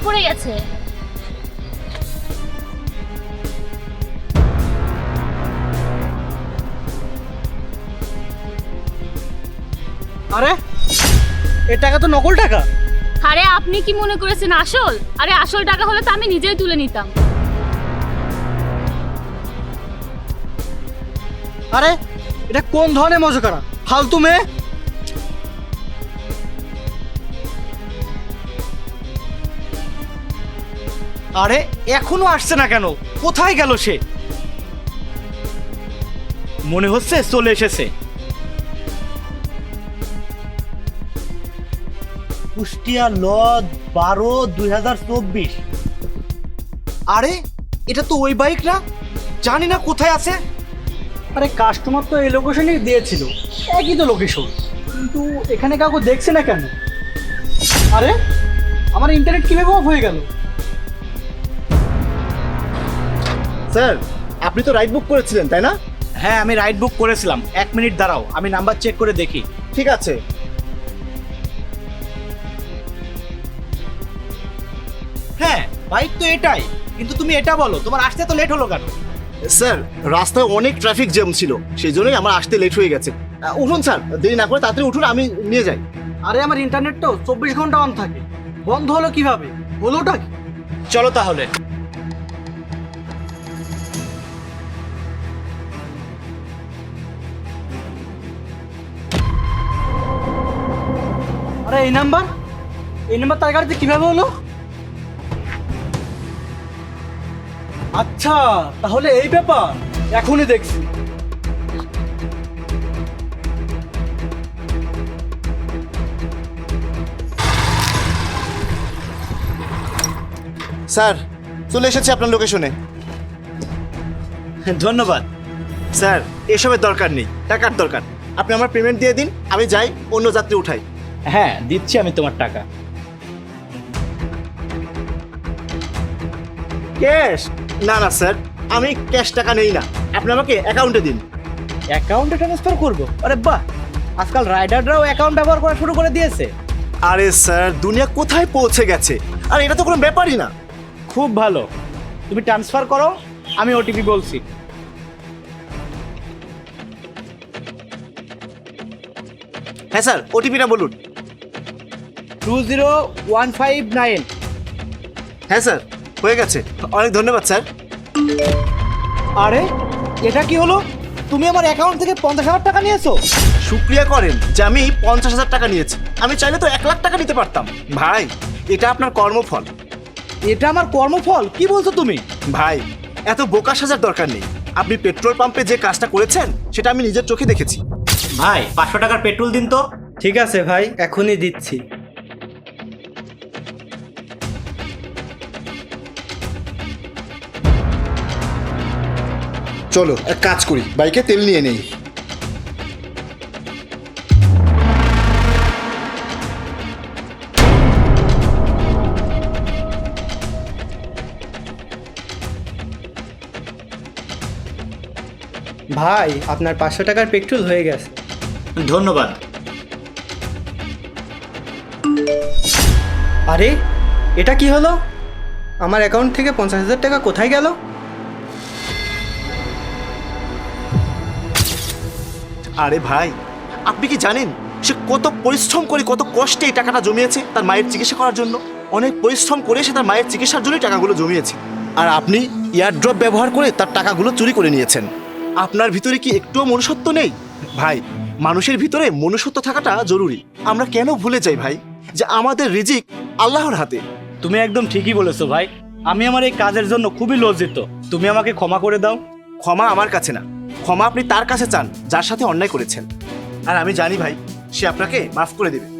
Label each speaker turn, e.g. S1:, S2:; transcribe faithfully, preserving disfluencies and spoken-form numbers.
S1: পড়ে গেছে।
S2: আরে এ টাকা তো নকল টাকা।
S1: আরে আপনি কি মনে করেছেন আসল? আরে আসল টাকা হলে তো আমি নিজেই তুলে নিতাম।
S2: আরে এটা কোন ধরনের মজা ফালতু মেয়ে? আরে এখনো আসছে না কেন? কোথায় গেল সে? মনে হচ্ছে চলে এসেছে। কুষ্টিয়া লজ বারো দুই হাজার চব্বিশ। আরে এটা তো ওই বাইক না, জানি না কোথায় আছে। আরে কাস্টমার তো এই লোকেশনেই দিয়েছিল, একই তো লোকেশন, কিন্তু এখানে কাউকে দেখছে না কেন? আরে আমার ইন্টারনেট কিভাবে অফ হয়ে গেল?
S3: স্যার, আপনি তো রাইড বুক করেছিলেন তাই না?
S2: হ্যাঁ আমি রাইড বুক করেছিলাম। এক মিনিট দাঁড়াও, আমি নাম্বার চেক করে দেখি।
S3: ঠিক আছে।
S2: হ্যাঁ বাইক তো এটাই, কিন্তু তুমি এটা বলো তোমার আসতে তো লেট হলো কেন?
S3: স্যার, রাস্তায় অনেক ট্রাফিক জ্যাম ছিল, সেই জন্যই আমার আসতে লেট হয়ে গেছে। আহ, উঠুন স্যার, দেরি না করে তাড়াতাড়ি উঠুন, আমি নিয়ে যাই।
S2: আরে আমার ইন্টারনেট তো চব্বিশ ঘন্টা অন থাকে, বন্ধ হলো কিভাবে? হলোটা কি? চলো তাহলে। আরে এই নাম্বার এই নাম্বার তার গাড়িতে কিভাবে হলো? আচ্ছা তাহলে এই ব্যাপার, এখনই দেখছি।
S3: স্যার, চলে এসেছি আপনার লোকেশনে।
S2: ধন্যবাদ।
S3: স্যার, এসবের দরকার নেই, টাকার দরকার। আপনি আমার পেমেন্ট দিয়ে দিন, আমি যাই, অন্য যাত্রী উঠাই।
S2: হ্যাঁ দিচ্ছি আমি তোমার টাকা।
S3: ক্যাশ? না না স্যার, আমি ক্যাশ টাকা নেই না, আপনি আমাকে অ্যাকাউন্টে দিন।
S2: অ্যাকাউন্টে ট্রান্সফার করবো? আরে বাহ, আজকাল রাইডাররাও অ্যাকাউন্ট ব্যবহার করা শুরু করে দিয়েছে।
S3: আরে স্যার, দুনিয়া কোথায় পৌঁছে গেছে, আর এটা তো কোনো ব্যাপারই না।
S2: খুব ভালো, তুমি ট্রান্সফার করো, আমি ওটিপি বলছি।
S3: হ্যাঁ স্যার, ওটিপিটা বলুন।
S2: Two zero one five nine.
S3: হ্যাঁ স্যার, হয়ে গেছে, অনেক ধন্যবাদ স্যার।
S2: আরে এটা কি হলো? তুমি আমার অ্যাকাউন্ট থেকে পঞ্চাশ হাজার টাকা নিয়েছো?
S3: শুক্রিয়া করেন যে আমি পঞ্চাশ হাজার টাকা নিয়েছি, আমি চাইলে তো এক লাখ টাকা নিতে পারতাম। ভাই, এটা আপনার কর্মফল।
S2: এটা আমার কর্মফল? কি বলছো তুমি?
S3: ভাই, এত বোকা সাজার দরকার নেই। আপনি পেট্রোল পাম্পে যে কাজটা করেছেন সেটা আমি নিজের চোখে দেখেছি।
S2: ভাই পাঁচশো টাকার পেট্রোল দিন তো। ঠিক আছে ভাই, এখনই দিচ্ছি।
S3: চলো এক কাজ করি, বাইকে তেল নিয়ে নেই।
S4: ভাই আপনার পাঁচশো টাকার পেট্রোল হয়ে গেছে।
S2: ধন্যবাদ।
S4: আরে এটা কি হলো? আমার অ্যাকাউন্ট থেকে পঞ্চাশ হাজার টাকা কোথায় গেল?
S3: আরে ভাই, আপনি কি জানেন সে কত পরিশ্রম করে, কত কষ্টে এই টাকাটা জমিয়েছে তার মায়ের চিকিৎসা করার জন্য? অনেক পরিশ্রম করে সে তার মায়ের চিকিৎসার জন্যই টাকাগুলো জমিয়েছে, আর আপনি এয়ারড্রপ ব্যবহার করে তার টাকাগুলো চুরি করে নিয়েছেন। আপনার ভিতরে কি একটুও মনুষ্যত্ব নেই? ভাই, মানুষের ভিতরে মনুষ্যত্ব থাকাটা জরুরি। আমরা কেন ভুলে যাই ভাই যে আমাদের রিজিক আল্লাহর হাতে?
S2: তুমি একদম ঠিকই বলেছো ভাই, আমি আমার এই কাজের জন্য খুবই লজ্জিত। তুমি আমাকে ক্ষমা করে দাও।
S3: ক্ষমা আমার কাছে না, ক্ষমা আপনি তার কাছে চান যার সাথে অন্যায় করেছেন, আর আমি জানি ভাই সে আপনাকে মাফ করে দেবে।